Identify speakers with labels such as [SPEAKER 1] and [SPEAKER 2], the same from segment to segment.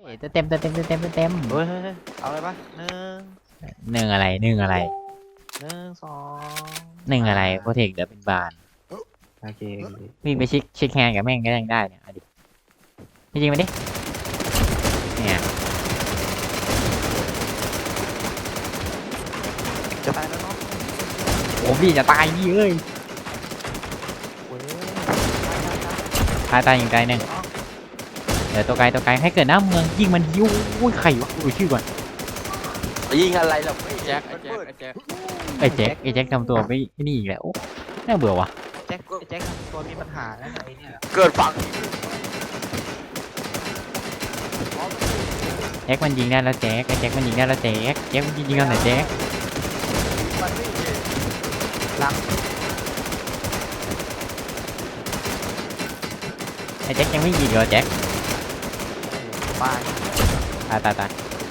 [SPEAKER 1] เต็ม
[SPEAKER 2] เฮ้ยเอาอะไรปะ
[SPEAKER 1] หนึ่งอะไร
[SPEAKER 2] 1 2
[SPEAKER 1] หนึ่งอะไรโปรเทคเดี๋ยวเป็นบาน
[SPEAKER 2] โอเค
[SPEAKER 1] วิ่งไปเช็คแฮนด์กับแม่งก็ยังได้เนี่ยดิจริงๆมาดิเนี่ย
[SPEAKER 2] จะตายแล้วเนาะ
[SPEAKER 1] โอ้พี่จะตายพี่เอ้ย
[SPEAKER 2] เว้ย
[SPEAKER 1] ตายอีกตายหนึ่งเดี๋ยวตัวไกลให้เกิดหน้าเมืองยิงมันยิ้วไข่วะดูชื่อก่อน
[SPEAKER 2] ยิงอะไรหรอก
[SPEAKER 3] แจ็ค
[SPEAKER 1] ไอ้แจ็คทำตัวไม่นี่อีกแล้วโอ้น่าเบื่อว่ะ
[SPEAKER 2] แจ็คตัวมีปัญหาแล้วไอ้เนี่ยเกิดฝั่ง
[SPEAKER 1] แจ็คมันยิงได้แล้วแจ็คมันยิงได้แล้วแจ็คมันยิงกันไหนแจ็ค
[SPEAKER 2] มันไม่หลัง
[SPEAKER 1] ไอ้แจ็คยังไม่ยิงเหรอแจ็ค
[SPEAKER 2] ปา
[SPEAKER 1] ตาย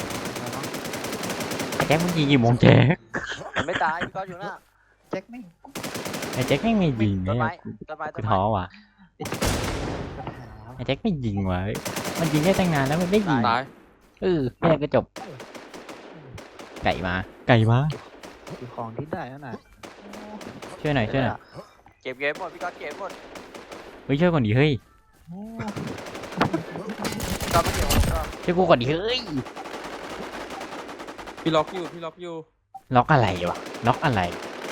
[SPEAKER 1] ไอ้แจ็คมันยิงกี่โมงแจ็ค
[SPEAKER 2] ไม่ตายพี่ก็อยู่น่ะแจ็คไม่
[SPEAKER 1] ไอ้แจ็คไม่ยิง
[SPEAKER 2] ต้น
[SPEAKER 1] เนี่ย
[SPEAKER 2] ไม้
[SPEAKER 1] กูท้อว่ะไอ้แจ็คไม่ยิงว่ะมันยิงได้ตั้งนานแล้วมันไม่ยิง
[SPEAKER 3] ตาย
[SPEAKER 1] แค่ก็จบไก่มา
[SPEAKER 2] คือของที่ได้นั่นน่ะ
[SPEAKER 1] ช่วยหน่อย
[SPEAKER 2] เก็บเกมหมดพี่ก็เก็บหมด
[SPEAKER 1] เฮ้ยช่วยก่อนดิเฮ้ย
[SPEAKER 2] ก็ไม่เก็บหมดก็
[SPEAKER 1] ช่วยกูก่อนดิเฮ้ย
[SPEAKER 3] พี่ล็อกอยู่
[SPEAKER 1] ล็อกอะไรวะล็อกอะไร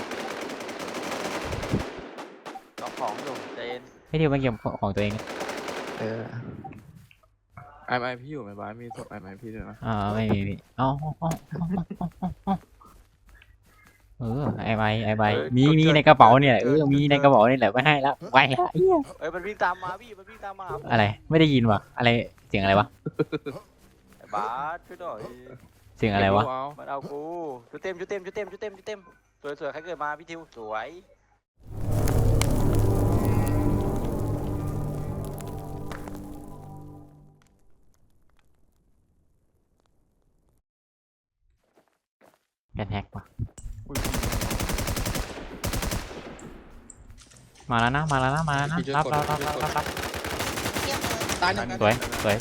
[SPEAKER 2] ล็อกของอยู่เจน
[SPEAKER 1] ให้เดี๋ยวมาเก็บของตัวเอง
[SPEAKER 3] ไอพี่อยู่ไหมบ้านมีศพไอพี่ด้วยนะ
[SPEAKER 1] ไม่มีเอาไอใบมีในกระเป๋าเนี่ยมีในกระเป๋านี่แหละไม่ให้ละไปละ
[SPEAKER 2] เฮ้ยมันวิ่งตามมาพี่มันวิ่งตามมา
[SPEAKER 1] อะไรไม่ได้ยินวะอะไรเสียงอะไรวะ
[SPEAKER 2] บาสช่วยหน่อย
[SPEAKER 1] เสียงอะไรวะ
[SPEAKER 2] มันเอากูชุดเต็มสวยใครเกิดมาพี่ทิวสวย
[SPEAKER 1] แกแท็กวะมาแล้วนะรับ
[SPEAKER 3] ตายหนึ่ง
[SPEAKER 1] สวย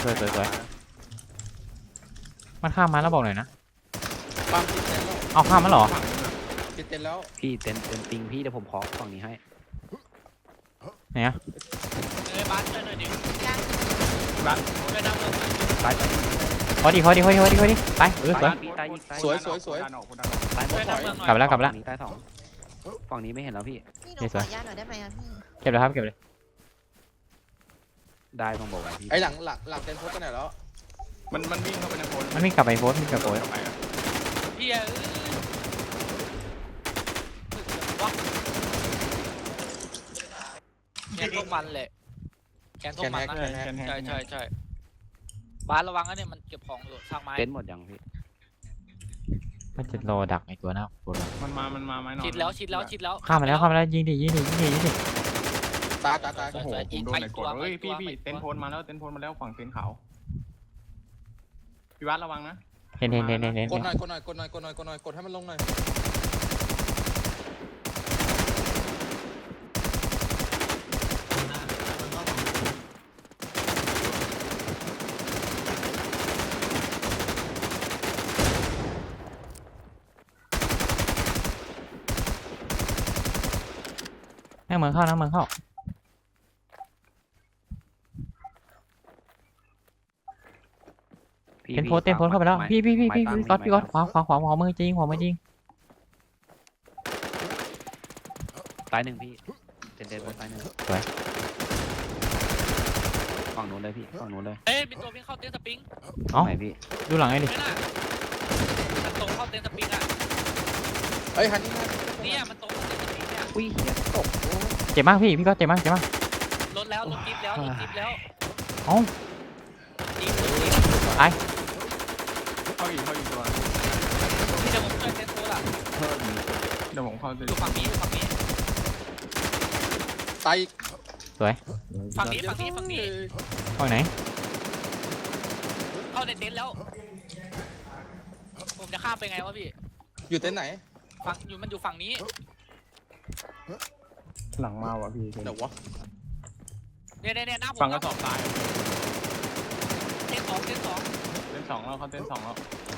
[SPEAKER 1] มันข้ามมาแล้วบอกหน่อยนะ
[SPEAKER 3] ปั๊มติดเต็นแล้ว
[SPEAKER 1] เอาข้ามมาหรอ
[SPEAKER 3] ติดเต็นแล้ว
[SPEAKER 4] พี่เต็นปิงพี่เดี๋ยวผมขอฝั่งนี้ให้
[SPEAKER 1] เนี่ย
[SPEAKER 3] บ้านช่วยหน่อยดิบ้านช่วยน้ำเลย
[SPEAKER 4] ตาย
[SPEAKER 1] พอดีไป
[SPEAKER 4] สวย ตายหมด
[SPEAKER 1] กลับแล้ว
[SPEAKER 4] ฝั่งนี้ตายสองฝั่งนี้ไม่เห็นแล้วพี่
[SPEAKER 5] พี่หนูขออนุญาตหน่อยได้ไหมครับพี่
[SPEAKER 1] เก็บเลยครับเก็บเลย
[SPEAKER 4] ได้ต้องบอกไว้พี่
[SPEAKER 3] ไอหลังเต็นโพสต์ไปไหนแล้วมันวิ่งเข้าไปในโพสต์
[SPEAKER 1] มันวิ่งกลับไปโพสต์
[SPEAKER 3] พี่แกนพวกมันแหละแกนพวกมันนะใช่บ้านระวังนะเนี่ยมันเก็บของอยู่สร้างไม้
[SPEAKER 4] เต็นหมดยังพี่
[SPEAKER 1] มันจะรอดักในตัวหน้าโพสต์
[SPEAKER 3] มันมาไม้นอนชิดแล้ว
[SPEAKER 1] ข้ามมาแล้วยิงดิ
[SPEAKER 3] ตายโอ้โหผมโดนในกดเฮ้ยพี่เต็นโพสต์มาแล้วฝั่งเต็นขาวพี่วัดระวังนะ
[SPEAKER 1] เห็น
[SPEAKER 3] กดหน่อยกดให้มันลงหน่อย
[SPEAKER 1] เมืองเข้าเห็นโพสต์เต็มโพสต์เข้าไปแล้วพี่ก๊อตขวามือจริง
[SPEAKER 4] ตายหนึ่งพี่เต็นตายหนึ่งฝั่งนู้นเลยพี่ฝั่งนู้นเลย
[SPEAKER 3] เอ้ยเป็นตัววิ่งเข้าเต็นสปริง
[SPEAKER 4] ไหนพี่
[SPEAKER 1] ดูหลังไอ้ดิ
[SPEAKER 3] ไม่น่ะมันตรงเข้าเต็นสปริงอ่ะเฮ้ยฮันนี่เนี่ยมันตรงเข้าเต็นสปริงเนี่ย
[SPEAKER 4] อุ้ยตก
[SPEAKER 1] เจ็บมากพี่ก๊อตเจ็บมาก
[SPEAKER 3] รถจิ๊บแล้ว
[SPEAKER 1] เอ้า
[SPEAKER 3] จิ๊บ
[SPEAKER 6] เข้าอีกตัว
[SPEAKER 3] พี่จะผมช่วยเต็นโซ่ล่ะ
[SPEAKER 6] เดี๋ยวผมเข้าไป
[SPEAKER 3] ดูฝั่งนี้
[SPEAKER 6] ตาย
[SPEAKER 3] ฝั่งนี้
[SPEAKER 1] ห้องไหน
[SPEAKER 3] เข้าในเต็นท์แล้ว ผมจะข้ามไปไงวะพี่
[SPEAKER 6] อยู่เต็นท์ไหน
[SPEAKER 3] มันอยู่ฝั่งนี้
[SPEAKER 6] หลังมาว่ะพี่
[SPEAKER 3] เดี๋ยววะเนี่ยหน้าผม
[SPEAKER 6] ฝั่งกระสอบตาย
[SPEAKER 3] เต็นท์สอง
[SPEAKER 6] สองแล้วเขาเต้นสองแล้ว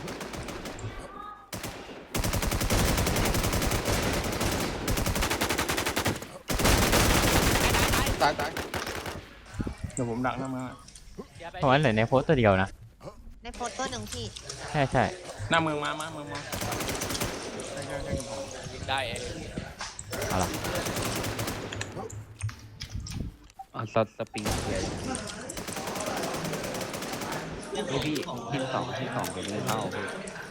[SPEAKER 3] ตาย
[SPEAKER 6] ตายเดี๋ยวผมดักหน้ามือ
[SPEAKER 1] เพราะว่าเหลือในโพสต์ตัวเดียวนะ
[SPEAKER 5] ในโพสต์ตัวหนึ่งพี่
[SPEAKER 1] ใช่ใช่
[SPEAKER 6] หน้ามือมามือมาใช่
[SPEAKER 3] ยิงได้เอง
[SPEAKER 1] เอาล่ะ
[SPEAKER 4] สปริงเกียร์พี่ทีมสองเป็นเรื่องเล่าพี่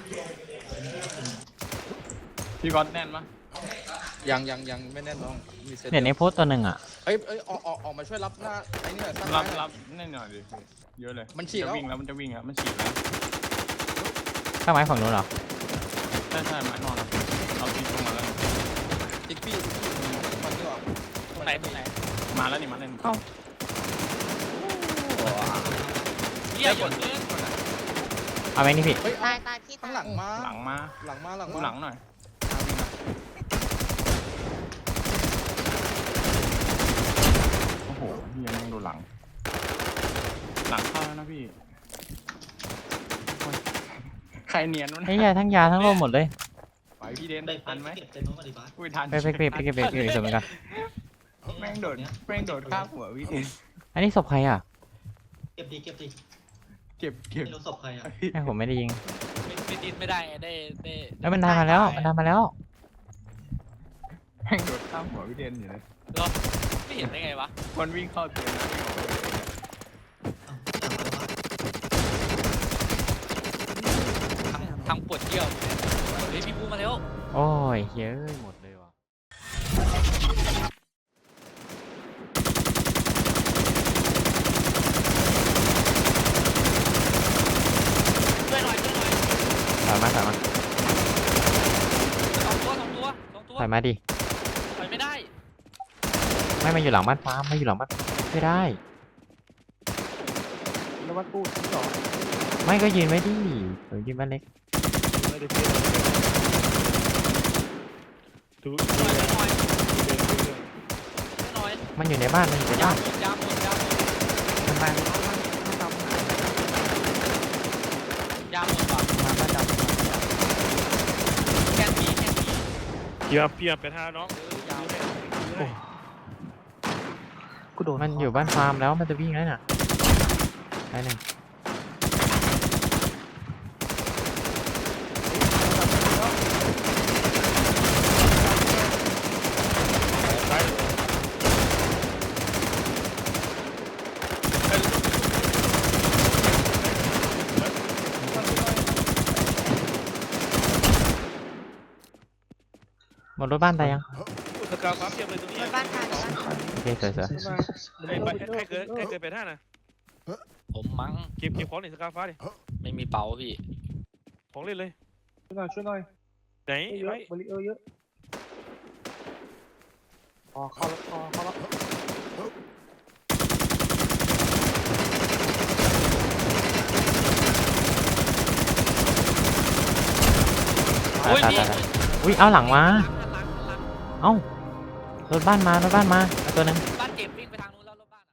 [SPEAKER 6] พี่ก๊อตแน่นปะ
[SPEAKER 7] ยังไม่แน่นน้องมีเซต
[SPEAKER 1] เหลือในโพสต์ตัวหนึ่งอ่ะ
[SPEAKER 7] เอ้ยออกมาช่วยรับหน้าไอ้นี่หน่อยตั้ง
[SPEAKER 6] รับแน่นหน่อยดิเยอะเลย
[SPEAKER 7] มันฉีดแล้ว
[SPEAKER 6] วิ่งแล้วมันจะวิ่งแล้วมันฉีดแล้ว
[SPEAKER 1] ข้างไม้ฝั่งนู้นเหรอ
[SPEAKER 6] ใช่ไม้นอนเอาตีลงมาแล้ว
[SPEAKER 7] ติ๊กปี้มันนี่หรอ
[SPEAKER 3] ตรงไหน
[SPEAKER 6] มาแล้วนี่มาเล่น
[SPEAKER 3] เหี้ยหยดเลย
[SPEAKER 1] เอาไหมนี่พี่
[SPEAKER 7] เฮ้ย
[SPEAKER 5] ตายตายพี่
[SPEAKER 7] ข้าง
[SPEAKER 5] ตาย
[SPEAKER 7] หลังมา
[SPEAKER 6] หลังมา ดูหลังหน่อยโอ้โหพี่ยังดูหลังเข้าแล้วนะพี่ใครเนียนวะ
[SPEAKER 1] ไอ้ยาทั้งยาทั้งโลมหมดเลย
[SPEAKER 6] ไปพี่เดนทันไหมอุ้ยทัน
[SPEAKER 1] ไปเก็บเหมือนกัน
[SPEAKER 6] แม่งโดดข้ามหัวพี่เดน
[SPEAKER 1] อันนี้ศพใครอ่ะ
[SPEAKER 6] เก็บ
[SPEAKER 8] ไม่รู้ศพใครอ่ะ
[SPEAKER 1] แม่ผมไม่ได้ยิง
[SPEAKER 3] ไม่ดิ้นไม่ได้ไงได้
[SPEAKER 1] แล้วมันทำมาแล้วมันทำมาแล้ว
[SPEAKER 6] แม่งโดดข้ามหัวพี่เดนอยู่เลย
[SPEAKER 3] เหรอไม่เห็นได้ไงวะ
[SPEAKER 6] มันวิ่งเข้าเตียงนะวิ่งออกไปเลย
[SPEAKER 3] ทางปวดเยี่ยวเฮ้ยพี่บูมาแล้ว
[SPEAKER 1] โอ้ยเฮ้ยหมดเลยว่ะ
[SPEAKER 3] ช่วยหน่อย
[SPEAKER 1] ถอยมา
[SPEAKER 3] สองตัว
[SPEAKER 1] ถอยมาดิ
[SPEAKER 3] ถอยไม่ได้
[SPEAKER 1] ไม่มาอยู่หลังบ้านฟ้าไม่อยู่หลังบ้านไม่ได้
[SPEAKER 6] แล้ววัดกู้ที่สอง
[SPEAKER 1] ไม่ก็ยืนไว้ดิยืนบ้านเล็ก
[SPEAKER 3] ช่วยหน่อย
[SPEAKER 1] มันอยู่ในบ้านมันอยู่ใน
[SPEAKER 3] ยา
[SPEAKER 1] บ้าน
[SPEAKER 3] หมดยาหมด
[SPEAKER 1] มันมา
[SPEAKER 3] ยาหมดว่ะ
[SPEAKER 1] มาบ้านดำ
[SPEAKER 3] แกนผี
[SPEAKER 9] เพียบไปท่าน้อง
[SPEAKER 3] ยาว
[SPEAKER 1] มันอยู่บ้านฟาร์มแล้วมันจะวิ่งแล้วน่ะไปหนึ่ง หมดรถบ้านตายยัง
[SPEAKER 9] สกาวฟ้าเพียบเลยตรงนี้
[SPEAKER 5] บนบ้านตายบนบ้านตาย
[SPEAKER 1] โอเคสวย
[SPEAKER 9] ใครเกิดไปท่านะ
[SPEAKER 3] ผมมั้ง
[SPEAKER 9] เก็บของหน่อยสกาวฟ้าดิ
[SPEAKER 3] ไม่มีเป๋าพี่
[SPEAKER 9] ของเล่นเลย
[SPEAKER 6] ช่วยหน่อย
[SPEAKER 9] ไหนไว้
[SPEAKER 6] บริเออร์เยอะเข้าแล้ว
[SPEAKER 1] ๆตายอุ้ยเอาหลังมาเอ้ารถบ้านมารถบ้านมาเอาตัวหนึง
[SPEAKER 3] บ้านเจ็บวิ่งไปทางนู้นแล้วรถบ้าน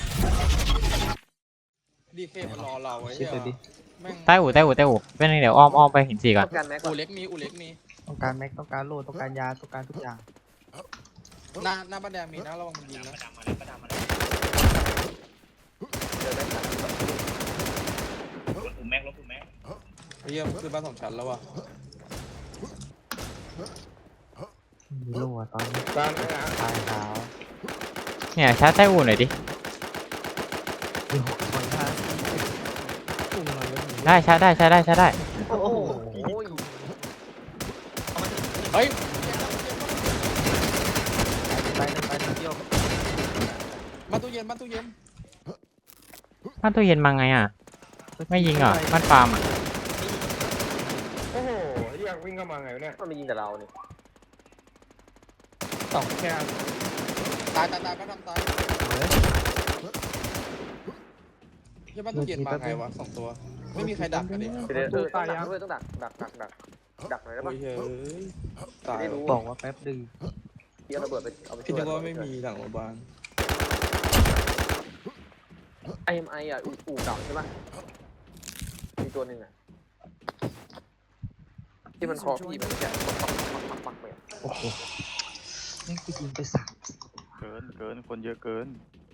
[SPEAKER 7] ดีเคมันรอเราไว้เหี้ยแม่ง
[SPEAKER 1] ใต้อู่เป็นไงเดี๋ยวอ้อมไปหินสี่ก่อน
[SPEAKER 7] อูเล็กมี
[SPEAKER 6] ต้องการแม็กต้องการโล่ต้องการยาต้องการทุกอย่าง
[SPEAKER 7] หน้าบ้านแดงมีนะระวังมันยิงนะเฮียมันคือบ้านสองชั้นแล้วว่ะ
[SPEAKER 1] มีลูกตอนนี้
[SPEAKER 6] บ้านไหนอ่ะ
[SPEAKER 1] ตายขาวเนี่ยชาร์จใต้อู่หน่อยดิได้ชาร์จได้
[SPEAKER 2] โอ้โห
[SPEAKER 7] เฮ้ย
[SPEAKER 6] ไปเที่ยว
[SPEAKER 7] บ้านตู้เย็น
[SPEAKER 1] บ้านตู้เย็นมาไงอ่ะไม่ยิงเหรอบ้านฟาร์มอ่ะ
[SPEAKER 6] โอ้โหเรียกวิ่งเข้ามาไงเนี่ย
[SPEAKER 2] มันไม่ยิงกับเราเนี่ย
[SPEAKER 6] สองแค่
[SPEAKER 7] ตายบ้านดำตายเฮียบ้านตู้เย็นมาไงวะ2ตัวไม่มีใครดักกันดิ
[SPEAKER 2] ต้องดักด้วยต้องดักหน่อยได้
[SPEAKER 7] โอ้
[SPEAKER 2] ปะ
[SPEAKER 7] ยเฮ้ยตาย
[SPEAKER 2] ไม่รู้
[SPEAKER 6] บอกว่าแป๊บดึง
[SPEAKER 2] เดี๋ยวระเบิดไปเอาไป
[SPEAKER 7] พี่นึกว่าไม่มีหลังโรงพยาบาล
[SPEAKER 2] IMI อ่ะอู่เก่าใช่ปะมี
[SPEAKER 7] ตัวหนึ่งอ่ะที่มันคอพี่มันจะปักไป
[SPEAKER 8] โอ้โหแม่งกูยิงไป3
[SPEAKER 6] เกินคนเยอะเกิน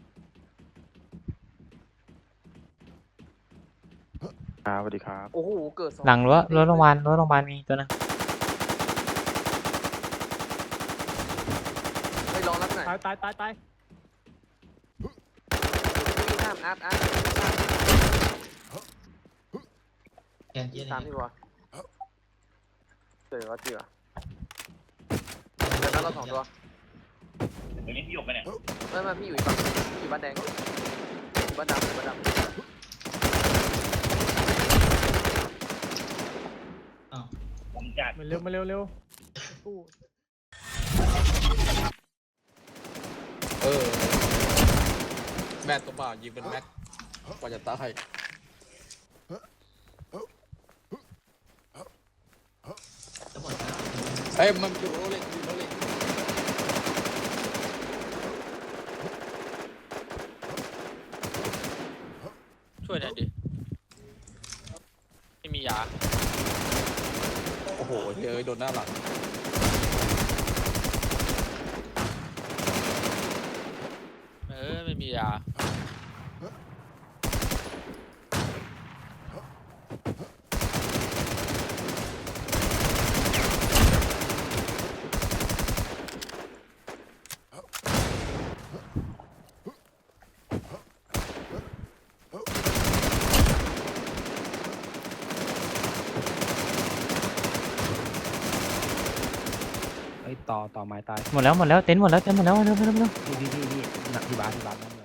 [SPEAKER 6] สวัสดีครับ
[SPEAKER 7] โอ้โหเกิด2
[SPEAKER 1] หลังรั้วโรงพยาบาลมีตัวนึง
[SPEAKER 7] ไม่รอแล้วหน่อย
[SPEAKER 4] ตาย
[SPEAKER 7] วิ่งข้ามอาร์ต
[SPEAKER 8] แกนเย็น
[SPEAKER 7] ตามพี่วะเจอเดี๋ยวนั้นเรา2 ตัว
[SPEAKER 10] ตัวนี้พี่หยกไปเนี่ย
[SPEAKER 7] ไม่พี่อยู่อีกฝั่งอยู่บ้านแดงอยู่บ้านดำ
[SPEAKER 10] ผมจัด
[SPEAKER 4] มาเร็ว
[SPEAKER 7] แม่ตัวเปล่ายิงเป็นแม็กกว่าจะตาย
[SPEAKER 8] จะหมดแล้ว
[SPEAKER 7] เอ้ยมันอยู่โรเล็ก
[SPEAKER 3] ช่วยหน่อยดิไม่มียา
[SPEAKER 7] โอ้โหเฮ้ยโดนหน้าหลัง
[SPEAKER 3] ไม่มียา
[SPEAKER 4] ไอ้ต่อไม้ตาย
[SPEAKER 1] หมดแล้วเต็นท์หมดแล้วเร็ว
[SPEAKER 4] พี่หนักที่บ้าน